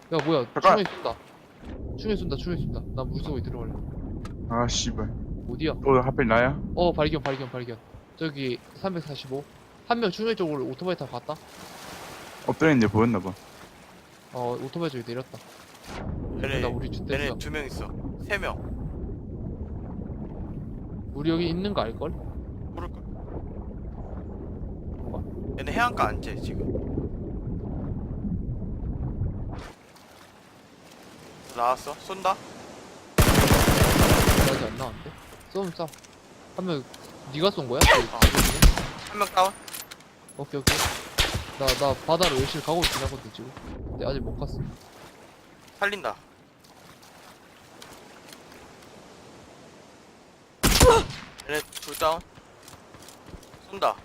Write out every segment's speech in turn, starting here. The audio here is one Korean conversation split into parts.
야 뭐야 잠깐. 충에 쏜다. 충에 쏜다. 충에 쏜다. 나 물속에 들어갈래. 아 씨발. 어디야? 또 하필 나야? 발견. 저기 345. 한 명 충에 쪽으로 오토바이 타고 갔다. 엎드렸는데 보였나봐. 오토바이 쪽에 내렸다. 얘네 나 우리 주 얘네 댔어. 2명 있어. 3명. 우리 여기 있는 거 알걸? 모를걸. 뭔가? 얘네 해안가 안 째, 지금. 나왔어? 쏜다? 아직 안 나왔는데? 쏘면 쏴. 한 명 네가 쏜 거야? 한 명 다운? 오케이. 나 바다로 열심히 가고 있긴 하거든 지금. 근데 아직 못 갔어. 살린다. 얘네 둘 다운? 쏜다.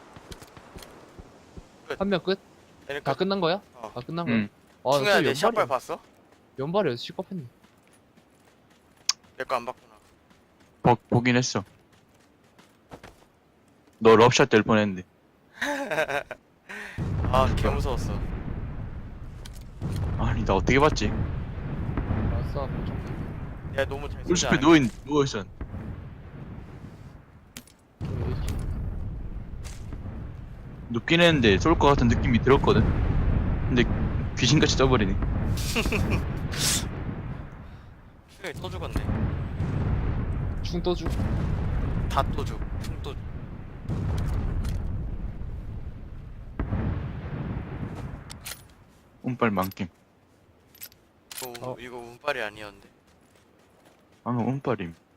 한 명 끝? 얘네 다 끝난 거야? 어. 다 끝난 거야? 응. 충현아 또 내 샷발 연발이야. 봤어? 연발이어서 시겁했네. 내 거 안 봤구나. 보긴 했어. 너 럽샷 될 뻔했는데. 아, 개 무서웠어. 아니 나 어떻게 봤지? 아싸, 보정. 야, 너무 잘 쏘지 울숲에 않아? 누워있었. 눕긴 했는데 쏠 것 같은 느낌이 들었거든. 근데 귀신같이 떠버리네. 충현이 또 죽었네. 충 떠주. 다 또 죽. 충 또 죽. 운빨 만김. 이거 운빨이 아니었는데. 방금 운빨임.